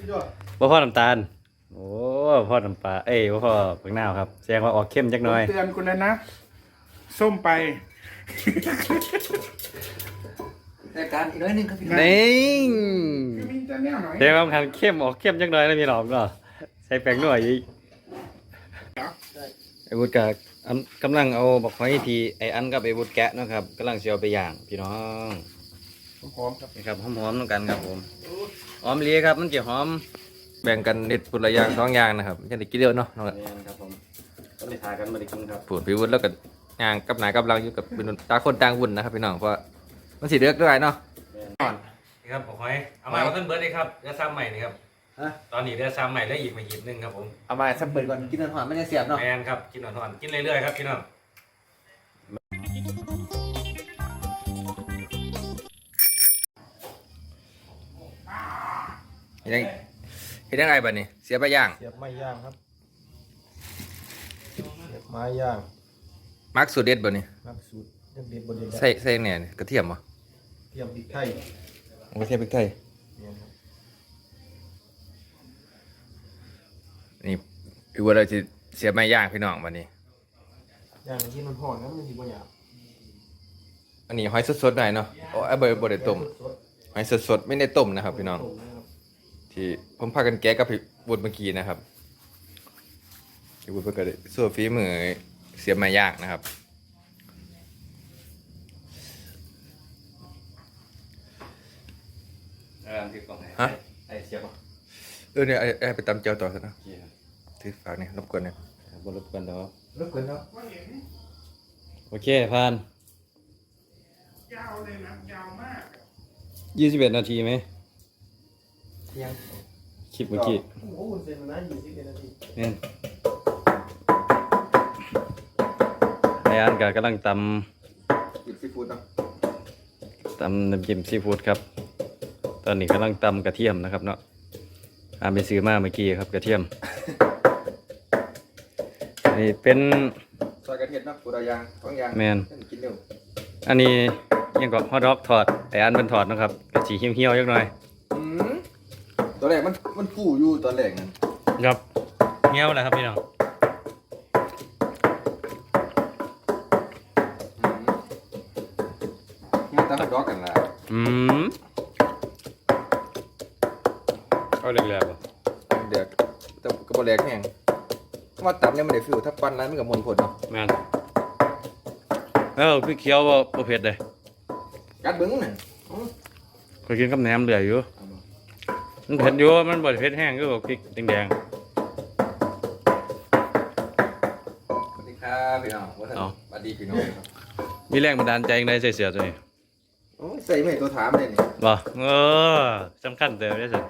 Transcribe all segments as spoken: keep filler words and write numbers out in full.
บ่พ่อน้ำตาลโอ้พ่อน้ำปลาเอ้ยบ่พ่อเพิ่งนาวครับแสดงว่าออกเข้มจักหน่อยเตือนคุณแล้วนะส้มไปรายการอีกน้อยนึงครับพี่น้องนี่คือมีแต่แนวหน่อยแสดงว่าทางเข้มออกเข้มจักหน่อยแล้วพี่น้องก็ใส่แป้งนัวอีกไอ้วุฒิกะกำลังเอาบักหอยที่ไอ้อันกับไอ้วุฒิแกะนะครับกำลังสิเอาไปย่างพี่น้องหอมครับนี่ครับหอมๆต้องกันครับผมหอมเลียครับมันจะหอมแบ่งกันเด็ดปุระยางสองอย่างนะครับจะได้กินเดียวเนาะน้องครับผมก็ได้ทากันมาได้กินครับปวดพิวุฒิแล้วก็ย่างกับหนากำลังอยู่กับเป็นตาคนต่างวุ่นนะครับพี่น้องเพราะมันสีเลือกด้วยเนาะนี่ครับหอยเอามาต้นเบิร์ดเลยครับเรือซ้ำใหม่นี่ครับตอนนี้เรือซ้ำใหม่แล้วอีกมาหยิบนึงครับผมเอามาสักเปิดก่อนกินหอนๆไม่ได้เสียบเนาะแมนครับกินหอนๆกินเรื่อยๆครับพี่น้องเห็นยังเห็นยังไงบ้านี้เสียบไปย่างเสียบไม้ย่างครับเสียบไม้ย่างมักสูตรเด็ดบ้านี้มักสูตรเด็ดเด็ดบนเด็ดใส่ใส่เนี่ยกระเทียมบ่เทียมพริกไทยกระเทียมพริกไทยนี่พี่ว่าเราจะเสียบไม้ย่างพี่น้องบ้านี้ย่างที่มันห่อนนะมันถือว่าหยาบอันนี้หอยสดๆหน่อยเนาะโอ้ไอ้เบอร์บดได้ต้มหอยสดๆไม่ได้ต้มนะครับพี่น้องที่ผมพากันแกะกับพี่บุญเมื่อกี้นะครับพี่บุญเพื่อกันสู้ฝีมือเสียบไม้ย่างนะครับฮะไอเสียบเออเนี่ยไอไปตำเจียวต่อซะนะที่ฝากเนี่ยรบกวนเนี่ยบนรบกวนเนาะรบกวนเนาะโอเคผ่านยาวเลยนะยาวมากยี่สิบเอ็ดนาทีไหมยังคลิปเมื่อกี้โอ้โหเสร็จแล้วนะยี่สิบเอ็ดนาทีเนี่ยไออันก็กำลังตำหยิบซีฟู้ดเนาะตำน้ำจิ้มซีฟู้ดครับตอนนี้กำลังตำกระเทียมนะครับเนาะอาไปซื้อมาเมื่อกี้ครับกระเทียมนี่เป็นซอยกระเทียมเนาะปูดายางท้องยางแมนกินเร็วอันนี้ยังก็ฮอทดอกถอดไออันเป็นถอดนะครับกระสีเหี่ยวๆยักหน่อยอืมตอนแรกมันมันฟูอยู่ตอนแรกนั่นครับเหี่ยวแหละครับพี่น้องมันตั้งดอกกันละอืมเอาเรียกๆป่ะเดี๋ยวแต่กระบอกแรกแห้งว่าตับเนี่ยมันได้ฟิวถ้าปั้นนั้นมันกับมลผลเนาะแม่นเออพี่เคี้ยวว่าบ่เผ็ดเลยกัดเบิ้งน่ะเคยกินกับแหนมเหลืออยู่มันเผ็ดอยู่มันบ่เผ็ดแห้งก็พริกแดงๆสวัสดีครับพี่น้องสวัสดีพี่น้องมีแรงบันดาลใจในใส่เสื้อตัวนี้ใส่ไม่ตัวถามเลยนี่บ่เออสำคัญเติมได้สิ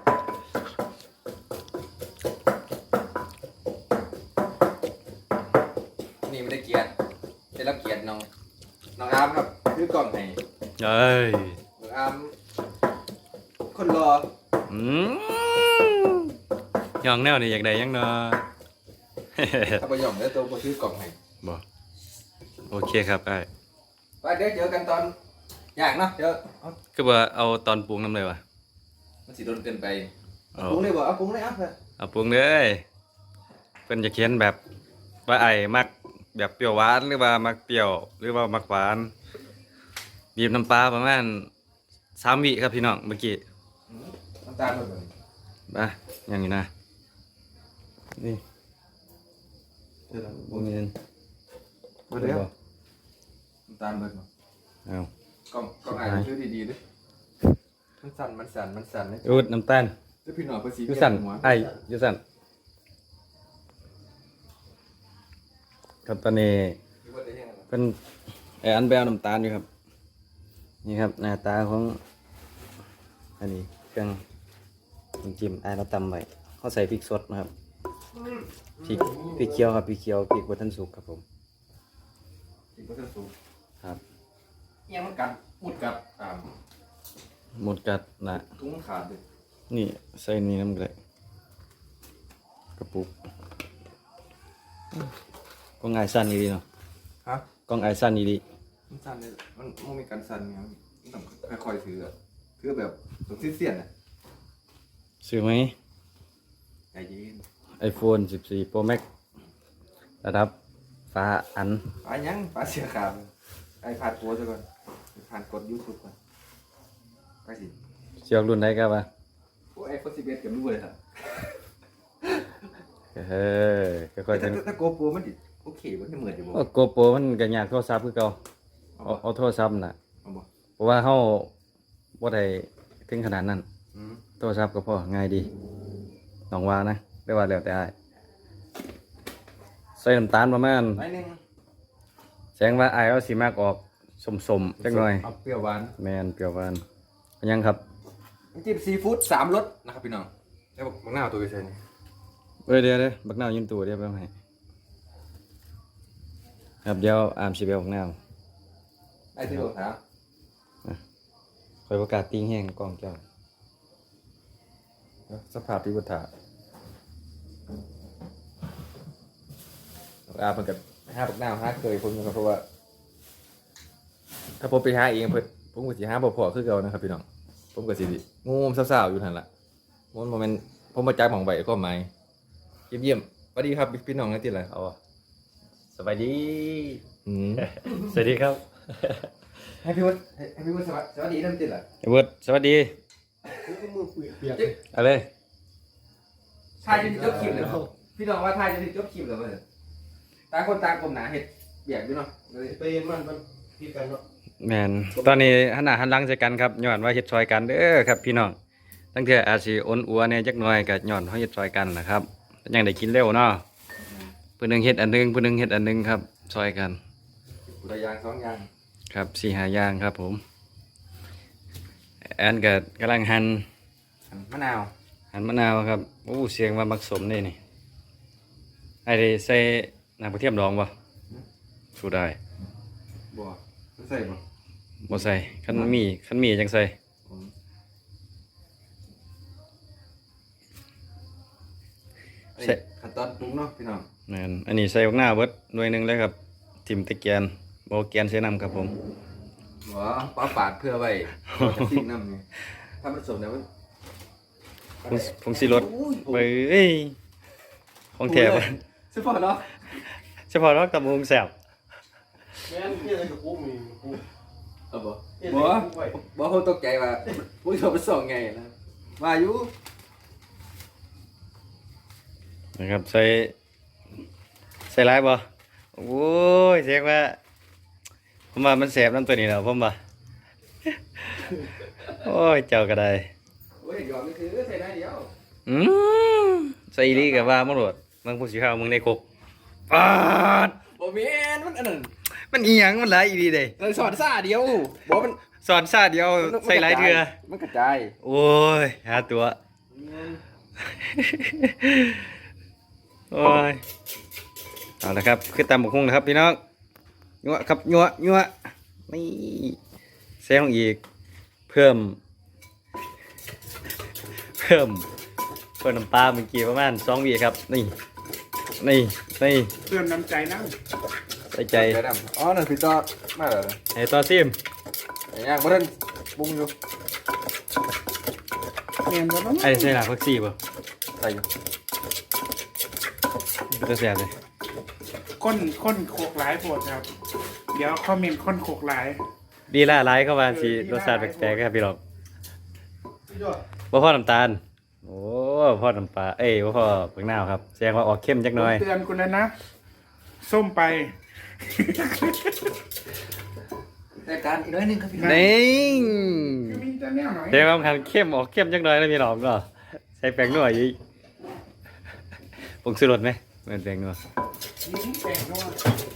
นี่ไม่ได้เกียรติได้รับเกียรติน้องน้องอาร์มครับคือกล่องให้เอ้ยน้องอาร์มคนรออืมย่องแนวนี่อยากได้ยังเนาะถ้าไปย่องแล้วตัวมาซื้อกล่องให้บ่โอเคครับไอ้ไปเดี๋ยวเจอกันตอนอยากเนาะเดี๋ยวก็ว่าเอาตอนปรุงน้ำเลยวะมันสิโดนเกินไปปรุงเลยบ่เอาปรุงเลยอ่ะเพื่อนเอาปรุงเลยเป็นจะเขียนแบบว่าไอ้มักแบบเปรี้ยวหวานหรือว่ามักเปรี้ยวหรือว่ามักหวานบีบน้ำปลาประมาณสามวิครับพี่น้องเมื่อกี้น้ำตาลหมดเลยมาอย่างนี้นะนี่เดี๋ยวปรุงเงินมาเดี๋ยวน้ำตาลเบิดมาเอากล่องกล่องอ่านชื่อดีๆด้วยมันสั่นมันสั่นมันสั่นเลยอูดน้ำตาลแล้วพี่หน่อยภาษียูสั่นไอ้ยูสั่นครับตอนนี้เป็นไออันแบลน้ำตาลอยู่ครับนี่ครับหน้าตาของอันนี้เครื่องจิ้มไอ้เราตำไว้เขาใส่พริกสดนะครับพริกพริกเขียวครับพริกเขียวพริกบัวทันสุกครับผมพริกบัวทันสุกครับยังมันกัดมุดกัดอ่าหมดกัดนะทุ่งขาดเลยนี่ใส่นี่น้ำเลยกระปุกกล้องไอสั้นดีเนาะฮะกล้องไอสั้นดีมันสั้นเลยมันมันมีการสั้นไงต้องค่อยๆถือถือแบบต้องเสี้ยนๆนะซื้อไหมใจเย็น iPhone สิบสี่ Pro Max ระดับฟ้าอันปลายังปลาเสือขาวไอ้ผ่านโพสซะก่อนผ่านกด YouTube ก่อนไปสิเชือกรุ่นใดครับวะโอ้ไอโฟนสิบเอ็ดกับรู้เลยครับเฮ้ยค่อยๆแต่เป็นถ้าโกโปรมันดิโอเคมันจะเหมือนอยู่บ่โอ้โกโปรมันก็ยากโทรศัพท์คือเก่าเอาเอาโทรศัพท์น่ะเอาบ่เพราะว่าเฮาบ่ได้ถึงขนาดนั้นอืมโทรศัพท์ก็พอง่ายดีน้องว่านะได้ว่าแล้วแต่อ้ายใส่น้ำตาลประมาณหน่อยหนึงแสดงว่าอ้ายเอาสิมากออกสมๆจักหน่อยเอาเปรี้ยวหวานแม่นเปรี้ยวหวานยังครับน้ำจิ้มซีฟู้ดสามรสนะครับพี่น้องแล้วบอกบักหน้าเอาตัวไปใส่นี่เอ้ยเดี๋ยวเดี๋ยวบักนาวยืนตัวเดี๋ยวไปเอาให้ครับเดี๋ยวอามสิไปเอาบักนาวไอ้ที่บอกถามคอยประกาศติ้งแห้งกล้องเจ้าเอ้าสภาพที่บุตรอาเพิ่นกับห้าบักนาวห้าเคยผมอยู่ครับเพราะว่า ถ้าผมไปหาเองเพิ่นผมก็สิหาบ่พอคือเก่านะครับพี่น้องผมก็สิงูมสาวๆอยู่นั่นล่ะมันบ่แม่นผมบ่จักหม่องไว้ความหมายเยี่ยมๆสวัสดีครับพี่น้องนะติล่ะเอาอะสบายดีอืมสวัสดีครับให้พี่วุฒิให้พี่วุฒิสวัสดีสวัสดีนั่นติล่ะเบิร์ดสวัสดีมือเปียกเอาเลยทายจะถึงจบคลิปเลยพี่น้องว่าทายจะถึงจบคลิปแล้วเพิ่นต่างคนต่างกลมหนาเฮ็ดเบียกอยู่เนาะเลยๆไปเห็นมันมันพิดกันเนาะแมนตอนนี้หันหน้าหันหลังใส่กันครับย้อนว่าเฮ็ดซอยกันเด้อครับพี่น้องตั้งแต่อาจสิอ้นอัวเนี่ยจักหน่อยก็ย้อนเฮาเฮ็ดซอยกันนะครับยังได้กินเร็วเนาะผู้หนึงเฮ็ดอันหนึงผู้หนึงเฮ็ดอันหนึงครับซอยกันตัวอย่างสองอย่างครับสี่ห้าอย่างครับผมแอนก็กำลังหั่นมะนาวหั่นมะนาวครับโอ้เสียงว่ามักสมนี่นี่ไอ้ได้ใส่น้ำกระเทียมดองบ่สู้ได้บัวใส่บ่บ่ใส่คันมีคันมีจังใส่ผมอันนี้ขั้นตอนปรุงเนาะพี่น้องนั่นอันนี้ใส่บักหน้าเบิดหน่วยหนึงเลยครับทิ่มตะเกียนบ่แกนใส่น้ำครับผมหัวปลาปาดเพื่อไว้ทิ้งน้ำไงถ้ามันสมแล้วมันผงผงสีรสอุ้ยเบ้ยของแท้บ่ใช่ป่ะเนาะเฉพาะเราตำบักหุงแซ่บแม่นเพี้ยนกับกูมีกูเอาบ่บ่บ่เขาตกใจว่าอุ้ยเขาไปส่องไงนะว่าอยู่นะครับใส่ใส่หลายบ่โอ้ยเสียงว่าผมว่ามันแซ่บน้ำตัวนี้แล้วผมว่า โอ้ยเจ้าก็ได้โอ้ยยอมนี่คือใส่ได้เดียวอืมใส่อีหลีก็ว่าบ่โลดมึงผู้สิข้าวมึงในคุกปาดบ่แม่นมันอันนั้นมันอีหยังมันหลายอีหลีเด้เราสอนซ่าเดียวบ่มันสอนซาเดียวใส่หลายเทื่อมันกระจายโอ้ยหาตัว โอ้ยเอาละครับคือตำบักหุ่งนะครับพี่น้องยัวครับยัวยัวนี่แซงอีก เพิ่ม เพิ่มเพิ่มน้ำปลาเมื่อกี้ประมาณสองวีครับ นี่ นี่นี่เตือนน้ำใจนะใส่ใจใจดำอ๋อนั่นพี่ต่อมาแล้วให้ต่อซิมไอ้ย่างบ่ทันปรุงอยู่เมียนบ่ต้องไอ้ใส่หลาพักซี่ป่ะใส่อยู่จะแซ่บเลยก้นก้นโขกหลายโปรดครับ เดี๋ยวคอมเมนต์ก้นโขกหลายดีล่าไลเข้ามาสิรสชาติแปลกๆครับพี่น้องพี่ยอดบ่พอน้ำตาล โอ้พ่อน้ำปลาเอ้ยบ่พ่อเปลือกนาวครับแสดงว่าออกเข้มจักหน่อยเตือนคุณแล้วนะ ส้มไปแต่การอีกน้อยหนึงครับพี่นี่คือมีแต่แนวหน่อยแสดงว่ามันเข้มออกเข้มจักหน่อยนะพี่น้องก็ใส่แป้งนัวอีกผงชูรสไหมเหมือนแป้งนัวนี่แปลงว่า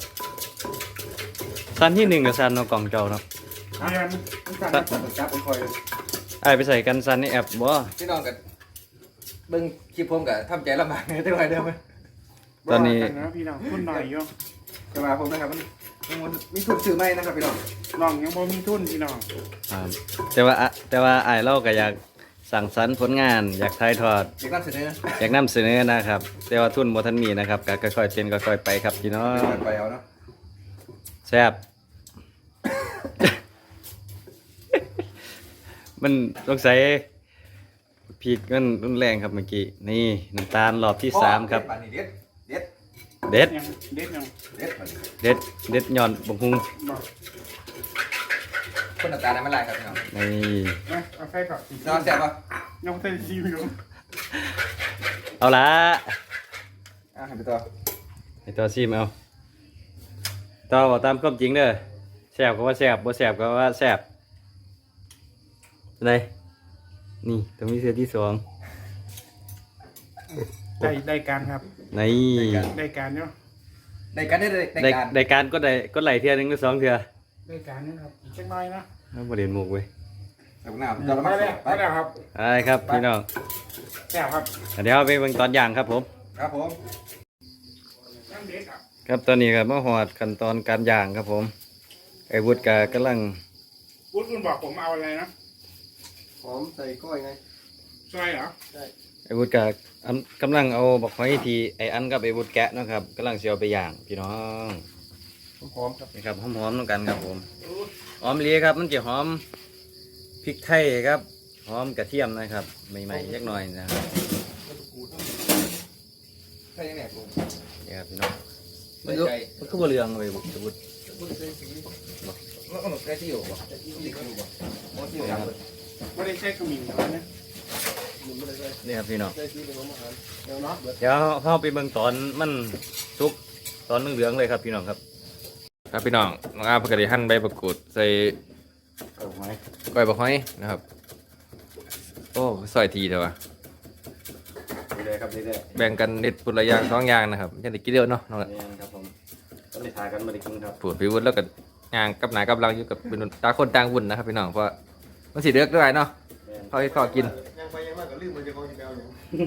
สั้นที่หนึ่งกับสั้นเนาะกล่องเจ้าเนาะเมียนสั่นจับไปคอยไอ้ายไปใส่กันสั้นในแอปบ่พี่น้องกันเบิ่งคลิปผมก็ทำใจลำบากในแต่ว่าเดิมตอนนี้ว่ากันะพี่น้องคุณหน่อยโยแต่ว่าผมนะครับมันมันมีทุนซื้อไหมนะครับพี่น้องน้องยังบ่มีทุนพี่น้องครับแต่ว่าอะแต่ว่าไอ้ายเราก็อยากสั่งสรรค์ผลงาน อยากถ่ายทอดเด็กนำเสนออยากนำเสนอนะครับ แต่ว่าทุนบ่ทันมีนะครับก็ค่อยๆเป็นค่อยๆไปครับพี่น้องไปเอาเนาะแซ่บ มันสงสัยพริกมันรุนแรงครับเมื่อกี้นี่น้ำตาลรอบที่สามครับปานนี้เด็ดเด็ดเด็ดยังเด็ดยังเด็ดปานนี้เด็ดเด็ดย่อนบงฮุงบอกคนน้ำตาลน้ำมันลายครับพี่น้องนี่นะเอาใส่ก่อนนอนแซ่บปะยังใส่ซีอิ๊วเอาละอ่ะให้ไปต่อให้ตัวซิมเอาต่อบอกตามความจริงเด้อแซ่บก็ว่าแซ่บบ่แซ่บก็ว่าแซ่บเป็นไงนี่ต้องมีเสือที่สองได้ได้การครับนี่ได้การเนาะได้กันได้ได้ได้ได้การได้การก็ได้ก็ไหลเทือหนึงหรือสองเทือได้การนะครับอีกสักหน้อยนะเอาประเด็นหมูกเว้ยใส่พวกหน้าเราละไปมาแล้วไปไปแล้วครับอะไรครับพี่น้องแซ่บครับเดี๋ยวเอาไปเบิ่งตอนย่างครับผมครับผมนั่งเด็ดครับครับตอนนี้ครับมาหอดขั้นตอนการย่างครับผมไอ้วุฒิกากำลังวุฒิคุณบอกผมเอาอะไรนะหอมใส่ก้อยไงซอยเหรอไอ้วุฒิกาอันกำลังเอาบักหอยทีไอ้อันกับไอ้วุฒิแกะเนาะครับกำลังเสียวไปย่างพี่น้องหอมครับนี่ครับหอมๆน้ำกันครับผมหอมเลียครับมันจะหอมพริกไทยครับหอมกระเทียมนะครับใหม่ๆยักหน่อยนะครับใช่ยังไงผมนี่ครับพี่น้องใส่มันก็ใจมันก็บ่เรืองเลยบุตรบุตรแล้วก็ใส่ที่อยู่บ่ใส่ที่อยู่บ่หมดที่อยู่ครับไม่ได้ใช้ขมิ้นอะไรนะนี่ครับพี่น้องใส่ซีเป็นอาหารเดี๋ยวนับเบิดเดี๋ยวเข้าไปเบิ่งตอนมันสุกตอนเหลืองๆเลยครับพี่น้องครับครับพี่น้องน้องอาเพิ่งได้หั่นใบประกรูดใส่ก้อยบักหอยนะครับโอ้ซอยทีเถอะวะดีเลยครับดีเลยแบ่งกันเด็ดปุระอยางสองอย่างนะครับจะได้กินเดียวเนาะน้องละนี่ครับผมก็เลยทากันมาได้กินครับปวดพิวุฒิแล้วก็ย่างกับหนากับเราอยู่กับเป็นตาคนต่างวุ่นนะครับพี่น้องเพราะว่ามันสิเลือกด้วยเนาะเขาให้เขากินยังไปยังมากกับลืมมันจะคอยกินแล้วอยู่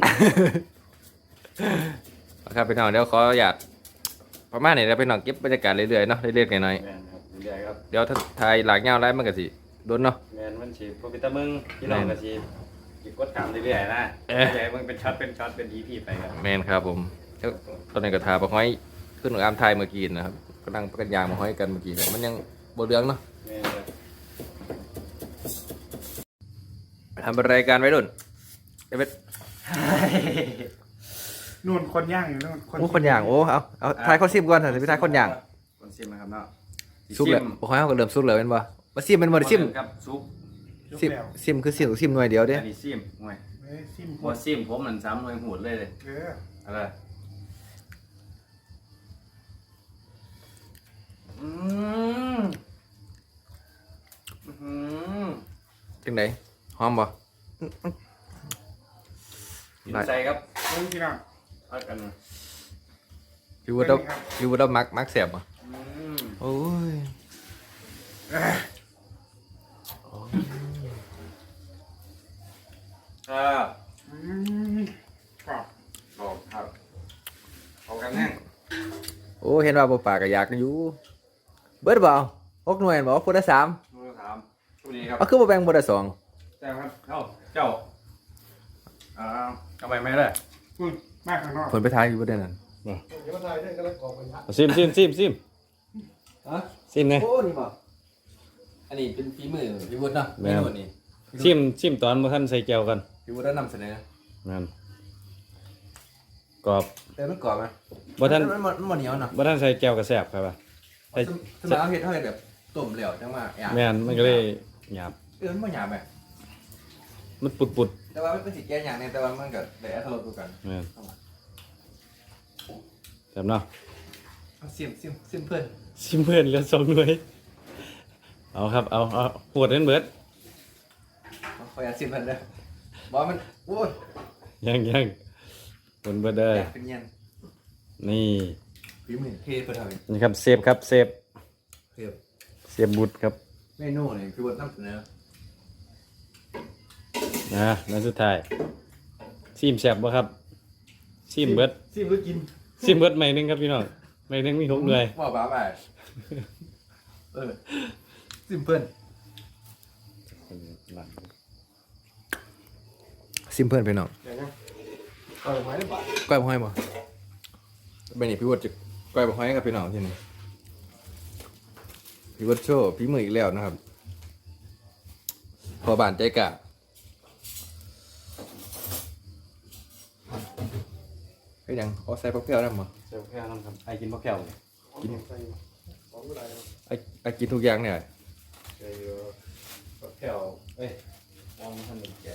ครับพี่น้องเดี๋ยวขออยากประมาณนี้แล้วพี่น้องเก็บบรรยากาศเรื่อยๆเนาะเรื่อยๆหน่อยแมนครับดีเลยครับๆเดี๋ยวถ้าถ่ายหลากเงาไล่มันก็สิโดนเนาะแมนมันฉีดพวกวิตามินพี่น้องก็ฉีดหยิบกดขามเรื่อยๆนะเอ๊ะใหญ่มันเป็นช็อตเป็นช็อตเป็นอีพีไปครับแมนครับผมแล้วตอนนี้ก็ทาปลาห้อยขึ้นของอามไทยเมื่อกี้นะครับกำลังประกันยางมาห้อยกันเมื่อกี้มันยังบนเรืองเนาะแมนครับทำรายการไว้รุ่นเอเวทนู่นคนย่างอยู่นู่นโอ้คนย่างโอ้เอาเอาทายข้อซิมก่อนเถอะพี่ทายคนย่างคนซิมนะครับเนาะซุกเลยปลาห้อยเขาก็เริ่มซุกเลยเป็นบ่มาซิมเป็นบ่ได้ซิมครับซุปยกซิมแล้วซิมคือซิมซิมหน่วยเดียวเด้อันนี้ซิมห่วยเอ้ยซิมหัวซิมผมมันซ้ำหน่วยหูดเลยเลยเอออะไรอืมอืมจังไดหอมบ่กินใส่ครับเฮ้ยพี่น้องพักกันพี่วุฒิเราพี่วุฒิเรามักมักแสบบ่อืมโอ้ยครับอืมกรอบบอกครับเอากันแน่งโอ้เห็นว่าบ่ปากก็อยากอยู่เบิดบ่เอาหกหน่วยบ่คนละสามดูถามสวัสดีครับเอาคือบ่แบ่งบ่ได้สองเจ้าครับเจ้าเจ้าอ่าทำไมไม่ได้อืมมากข้างนอกผลไปทายอยู่บ่ได้นั่นเดี๋ยวมาทายด้วยกันแล้วกรอกกันนะซิมซิมซิมซิมฮะซิมไงโอ้นี่บ่อันนี้เป็นฝีมือพี่วุฒิเนาะแม่เมนนูนี้ซิมซิมตอนบ่ทันใส่แก้วกันพี่วุฒิได้นำเสนอนั่นกรอบแต่มันกรอบไหมบ่ทันมันมันมันเหนียวเนาะบ่ทันใส่แก้วก็แซ่บครับว่า ใส่สมัยเอาเฮ็ดเท่าไหร่แบบต้มเหลวจังว่าหยาบแม่นมันก็เลยหยาบเออมันบ่หยาบแบบมันปุดแต่ว่ามันเป็นสิแก่อย่างหนึงแต่ว่ามันก็ได้อรรถรสคือกันๆแม่นแซ่บเนาะเอาซิมซิมซิมเพิ่นซิมเพิ่นเหลือสองหน่วยเอาครับเอาเอาหวดเล่นเบิดเอาขออยากซิมเพิ่นเด้อบ่มันโอ้ยยังยังหวดเบิดเด้ออยากเป็นเย็นนี่ฝีมือเทเพิ่นเท่านี้นี่ครับเซฟครับเซฟเพิ่นเซฟบุตรครับเมนูนี่พี่วุฒินำเสนอนะแล้วสุดท้ายซิมแซ่บบ่ครับซิมเบิดซีมหรือกินซิมเบิดใหม่หนึงครับพี่น้องใหม่หนึงมีหกหน่วยบ่บ้าไปเออซิมเพิ่นซิมเพิ่นพี่น้องเดี๋ยวนะเอาไม้ได้ปะก้อยบ่ห้อยบ่เป็นนี่พี่วุฒิจะก้อยบ่ห้อยกับพี่น้องที่นี่พี่วุฒิโชว์พี่มืออีกแล้วนะครับพอบ้านใจกะเป็นหยังขอใส่ผักเปรี้ยวได้บ่เซลล์แค่นั้นครับไอกินมะแก้วเลยกินใส่ของก็ได้ครับไอ้ไอ้กินทุกอย่างเนี่ยใส่มะแก้วเอ้ยมองมันทำเป็นใหญ่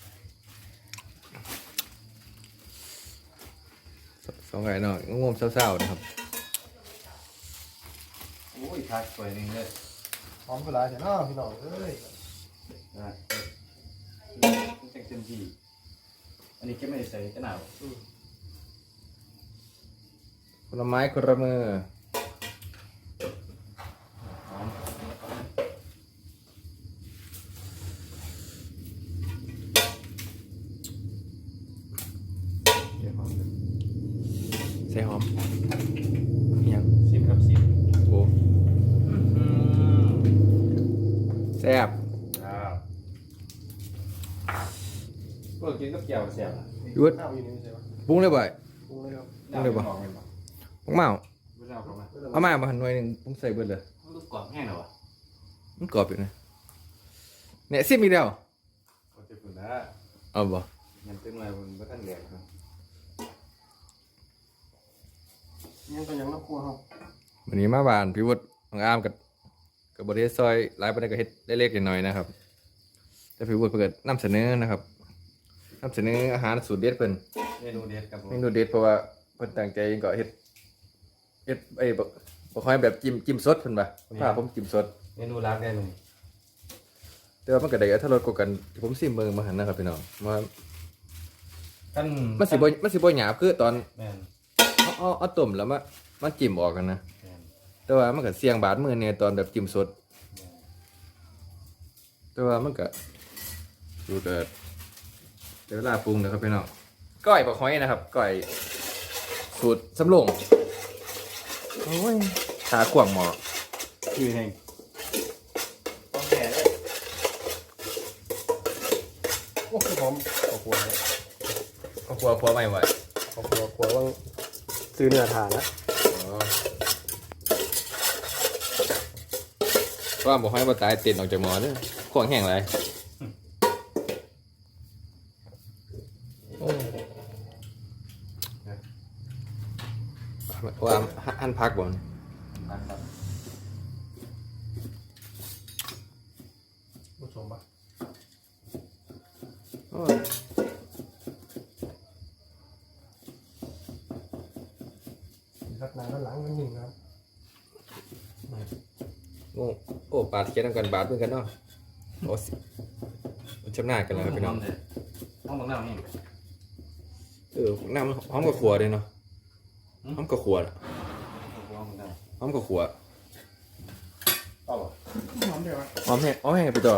สองไก่เนาะงงๆเศร้าๆนะครับโอ้ยทักสวยนึงเลยหอมก็ได้แต่น้าพี่น้องเอ้ยนะเต็มที่อันนี้แค่ไม่ได้ใส่จะหนาวคนละไม้คนละมือหอมเดี๋ยวหอมใส่หอมอิหยังซิมครับซิมโอ้แซ่บครับพวกกินกับแก้วแซ่บยุดข้าวอยู่นี่ใช่ไหมปรุงเลยบ่อยปรุงเลยครับต้องเลยบ่บอกเลยบ่ปรุงเมาไม่ได้เอาเข้ามาเอามามาหันหน่วยหนึ่งปรุงใส่เบิดเลยลูกกรอบแห้งเหรอวะมันกรอบอยู่นะเนี่ยซิมอีกแล้วเขาจะปุ่นนะเอาบ่ยังเป็นอะไรบนบ้านแดงครับยังก็ยังน้ำครัวครับวันนี้มาบ้านพี่วุฒิของอามกับกับบริเวณซอยหลายประเด็นก็เฮ็ดเล็กๆน้อยๆนะครับ แต่พี่วุฒิเพิ่นนำเสนอนะครับนำเสนออาหารสูตรเด็ดเพิ่นเมนูเด็ดครับผมเมนูเด็ดเพราะว่าเพิ่นตั้งใจก็เฮ็ดเฮ็ดไอ้บ่บ่ค่อยแบบจิ้มจิ้มสดเพิ่นว่าเพิ่นพาผมจิ้มสดเมนูรักได้เลยแต่ว่ามันก็ได้อรรถรสกว่ากันที่ผมซิมเบิ่งมาหั่นนะครับพี่น้องว่ากันมันสิบ่มันสิบ่หยาบคือตอนแม่นเอาเอาเอาต้มแล้วมามันจิ้มออกกันนะแม่นแต่ว่ามันก็เสี่ยงบาดมือเนี่ยตอนแบบจิ้มสด แต่ว่ามันก็ดูเกิดเดี๋ยวเวลาปรุงนะครับพี่น้องก้อยปลาหอยนะครับก้อยสูตรสำโรงโอ้ยขาขวางหมอคือแห้งต้องแก่เลยโอ้คือหอมข้าวครัวครับเขาครัวครัวไม่ไหวข้าวครัวครัวว่างซื้อเนื้อทานนะอ๋อว่าบอกให้ปลาตายเต็นออกจากหมอเด้อขวางแห้งไรโอ้ว่าหั่นพักบ่นครับผู้ชมปะโอ้ยครับนานแล้วหลังมันหนึ่งครับโง่โอ้ปาดเคียนกันบาดเหมือนกันเนาะโอ้สิมันชำนาญกันแล้วครับพี่น้องต้องบังหน้านี่เออน้ำหอมกับขัวเลยเนาะหอมกับขัวน่ะต้องบังหน้าหอมกับขัวเอาบ่หอมเดี๋ยวอะหอมแห้งหอมแห้งไปต่อ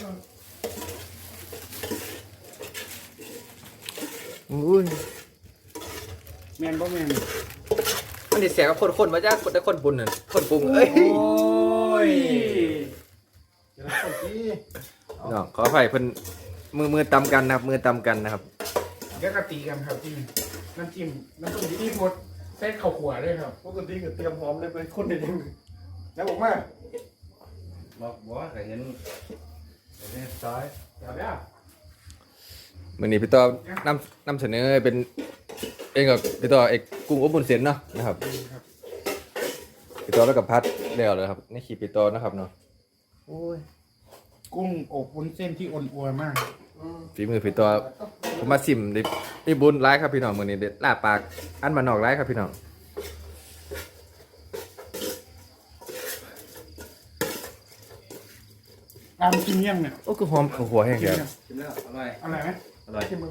อุ้ยแมนบ่แมนมันดิเสียกับคนคนมาจ้าคนแต่คนปุ่นน่ะคนปรุงเอ้ยโอ้ยเดี๋ยวเราคนที่น้องขออภัยเพิ่นมือมือตำกันนะครับมือตำกันนะครับเดี๋ยวกะตีกันครับที่น้ำจิ้มน้ำจิ้มที่พดเส้นข้าวขัวด้วยครับปกติก็เตรียมหอมเลยไปคนเดียวแล้วบอกมาบอกบอกว่าเห็นเห็นซ้ายเดี๋ยวเดี๋ยวมื้อนี้พี่ต่อนำนำเสนอเป็นเองกับพี่ต่อเอกกุ้งอบบุญเส้นเนาะนะครับครับพี่ต่อแล้วกับพัดแล้วเลยครับนี่ขีดพี่ต่อนะครับเนาะโอ้ยกุ้งอบวุ้นเส้นที่อ่อนอัวมากฝีมือพี่ต่อผมมาซิมได้ได้บุญร้ายครับพี่น้องมื้อนี้เด็ดลาบปากอันมานนอกร้ายครับพี่น้องตามกินยังเนี่ยโอ้คือหอมข้าวหัวแห้งกินแกยังชิมแล้วอร่อยอร่อยไหมอร่อยที่มึง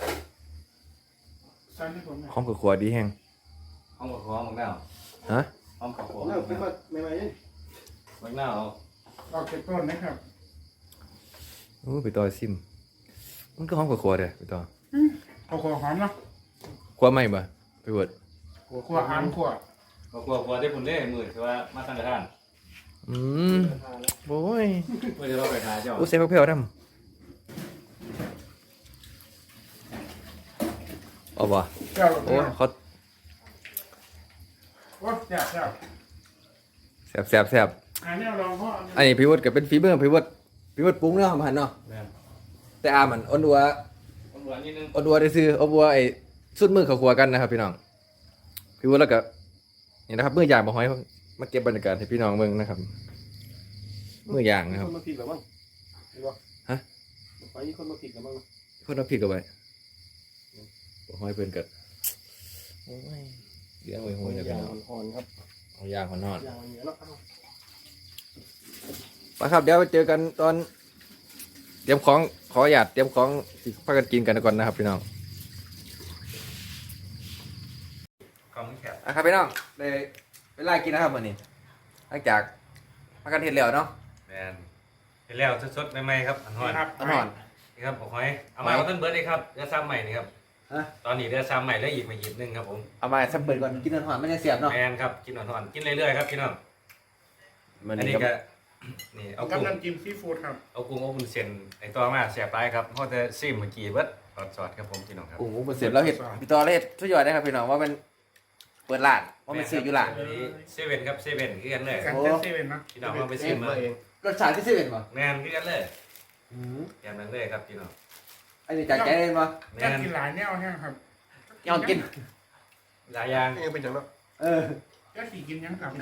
ใส่ให้ผมหน่อยหอมข้าวหัวดีแห้งห้องกับหัวบังหน้าฮะห้องกับหัวน่าขึ้นมาใหม่ๆนี่บังหน้าเอาออกเก็บต้นนะครับโอ้พี่ต่อซิมมันก็หอมข้าวหัวเด้อพี่ต่อข้าวขัวหอมเนาะขัวไหม่บ่พี่เวิร์ดขัวหามขัวก็กลัวกลัวได้ผลเล่มือคือว่ามาตั้งกระทานอืมโอ้ยเพื่อจะเราไปหาเจ้าโอ้เซฟเพียวดำเอาบ่เจ้าโอ้เขาโอ้เจ้าเจ้าแซ่บแซ่บแซ่บอันนี้ลองพ่ออันนี้พี่เวิร์ดก็เป็นฝีมือพี่เวิร์ดพี่เวิร์ดปรุงเนาะมาหันเนาะแม่นแต่อามันอ้นอัวคนหวานนิดนึงอ้นอัวได้ซื้ออ้นอัวไอ้สุดมือเขาครัวกันนะครับ พี่น้องพี่วุฒิแล้วก็นี่นะครับมือย่างบ่ห้อยมาเก็บบรรยากาศให้พี่น้องเบิ่งนะครับมือย่างนะครับคนมาผิดหรือมั้งเห็นปะฮะไปนี่คนมาผิดหรือมั้งเพิ่นเอาพริกเอาไว้บ่ห้อยเพิ่นก็โอ้ยเลี้ยงไว้โหยนะพี่ย่างน้องอ่อนๆครับเอาย่างคนนอนย่างอย่างเงี้ยเนาะไปครับเดี๋ยวไปเจอกันตอนเตรียมของขอหยาดเตรียมของสิพากันกินกันก่อนนะครับพี่น้องกองแคบอ่ะครับพี่น้องได้เวลากินนะครับวันนี้หลังจากพากันเห็ดแล้วเนาะแมนเห็นแล้วสดๆใหม่ๆครับอันหอนครับต้นหอนนี่ครับบอกหอยเอามาเอาต้นเบิร์ดเลยครับเรือซ้ำใหม่นี่ครับฮะตอนนี้เรือซ้ำใหม่แล้วอีกมาหยิบหนึงครับผมเอามาสับเปิดก่อนกินต้นหอนไม่ได้เสียบเนาะแมนครับกินหอนๆกินเรื่อยๆครับพี่น้องมันอันนี่นี้ก็ก็นี่เอากับกุ้งน้ำจิ้มซีฟู้ดครับเอากุ้งเอาบุญเส้นไอตัวมาแสบไปครับเพราะจะซิมเมื่อกี้เบิร์ดสอดๆครับผมพี่น้องครับโอ้โหเสร็จแล้วเห็ดพี่ต่อแล้วเห็ดทุกอย่างนะครับพี่น้องว่ามันเปิดร้านว่ามันซื้ออยู่ร้านอันนี้เซเว่นครับเซเว่นคือกันเลยกันโอ้เต้นเซเว่นนะพี่น้องเอาไปซิมมาเองรสชาติที่เซเว่นป่ะแมนคือกันเลยอย่างนั้นเลยครับพี่น้องอันนี้จากใจเลยป่ะแมอยากนกินหลายแนวแห้งครับยอมกินหลายอย่างเองเป็นอย่างนั้นเอออยากขี่กินยังครับ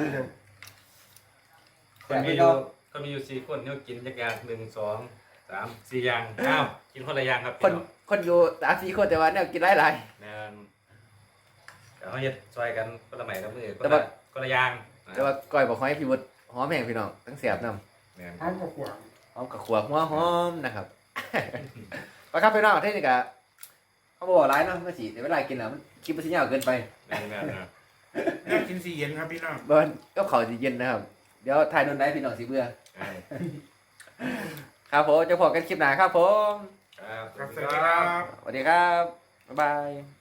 คนมีอยู่ก็มีอยู่สี่คนเนี่ยกินจักอย่างหนึ่งสองสามสี่อย่างอ้าวกินคนละอย่างครับคนคนอยู่สามสี่คนแต่ว่าเนี่ยกินหลายหลายแมนเดี๋ยวเขาจะซอยกันคนละใหม่ละมือคนแต่ละว่าคนละอย่างแต่ว่าก้อยบอกให้พี่วุฒิหอมแห้งพี่น้องทั้งเสียบน้ำแมนพร้อมกับขวางหอมกับขวหัวหอมนะครับ ไปครับพี่น้องเทคนิคอะเขาบอกร้ายเนาะเมื่อสีแต่เวลากินแล้วมันคิดมันสิยาวเกินไปแมนแมนนะอยากกินสีเย็นครับพี่น้องเบิร์นก็เขาจะเย็นนะครับ เดี๋ยวถ่ายนนได้พี่น้องสิเบื่อแม่นครับผมจะพอกันคลิปหน้าครับผมครับครับสวัสดีครับสวัสดีครับ บ๊ายบาย